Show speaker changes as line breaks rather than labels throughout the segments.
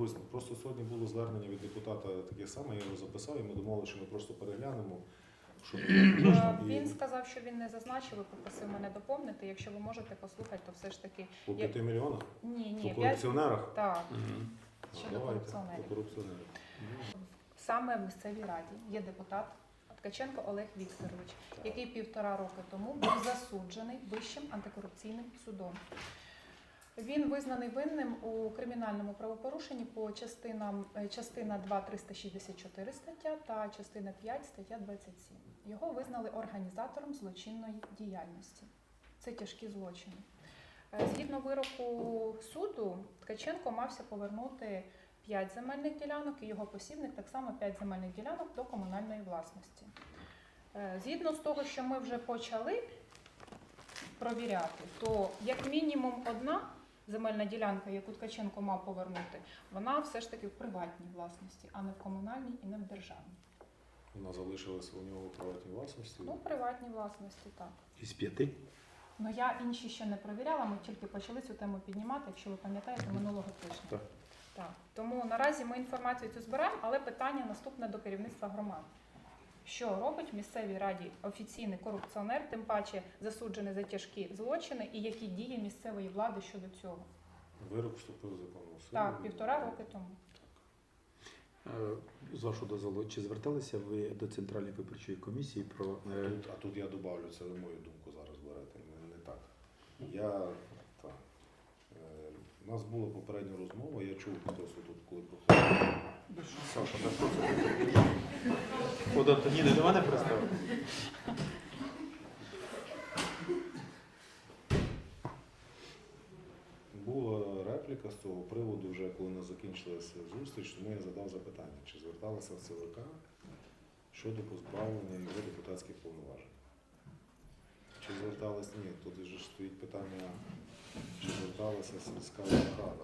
висновок. Просто сьогодні було звернення від депутата таке саме, я його записав, і ми домовилися, що ми просто переглянемо. Щоб
Він сказав, що він не зазначив і попросив мене доповнити. Якщо ви можете послухати, то все ж таки...
По 5 мільйонах?
Ні.
По корупціонерах?
Так.
Угу.
Щодо корупціонерів.
По корупціонерів.
Саме в місцевій раді є депутат Ткаченко Олег Вікторович, який 1,5 роки тому був засуджений Вищим антикорупційним судом. Він визнаний винним у кримінальному правопорушенні по частина 2 364 стаття та частина 5 стаття 27. Його визнали організатором злочинної діяльності. Це тяжкі злочини. Згідно вироку суду, Ткаченко мався повернути 5 земельних ділянок і його посібник так само 5 земельних ділянок до комунальної власності. Згідно з того, що ми вже почали провіряти, то як мінімум одна земельна ділянка, яку Ткаченко мав повернути, вона все ж таки в приватній власності, а не в комунальній і не в державній.
Вона залишилася у нього в приватній власності?
Ну, в приватній власності, так.
Із 5?
Ну, я інші ще не провіряла, ми тільки почали цю тему піднімати, якщо ви пам'ятаєте, минулого тижня.
Так.
Так. Тому наразі ми інформацію цю збираємо, але питання наступне до керівництва громад. Що робить в місцевій раді офіційний корупціонер, тим паче засуджений за тяжкі злочини, і які дії місцевої влади щодо цього?
Вирок вступив в законну силу.
Так, 1,5 роки тому.
З вашого дозволу, чи зверталися ви до Центральної виборчої комісії про...
А тут я добавлю, це ви мою думку зараз берете, не так. У нас була попередня розмова, я чув хтось тут, коли проходив.
Саша, так що це? От Антоніни до мене представив?
Була репліка з цього приводу, вже коли не закінчилася зустріч, тому я задав запитання, чи зверталися в ЦВК щодо позбавлення його депутатських повноважень. Чи зверталися? Ні, тут же стоїть питання, чи зверталася сільська рада.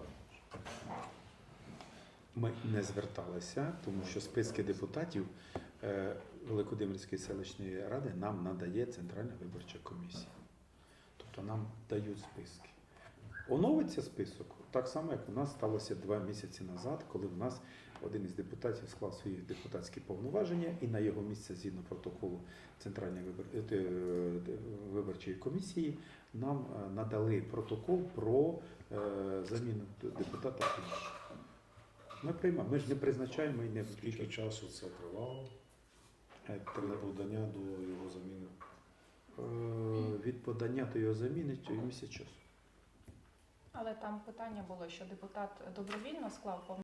Ми не зверталися, тому що списки депутатів Великодимирської селищної ради нам надає Центральна виборча комісія. Тобто нам дають списки. Оновиться список так само, як у нас сталося 2 місяці назад, коли в нас один із депутатів склав свої депутатські повноваження і на його місце, згідно протоколу Центральної виборчої комісії, нам надали протокол про заміну депутата. Ми приймаємо, ми ж не призначаємо і не
Скільки
виключаємо.
часу це тривало для подання до його заміни?
Від подання до його заміни місяць часу.
Але там питання було, що депутат добровільно склав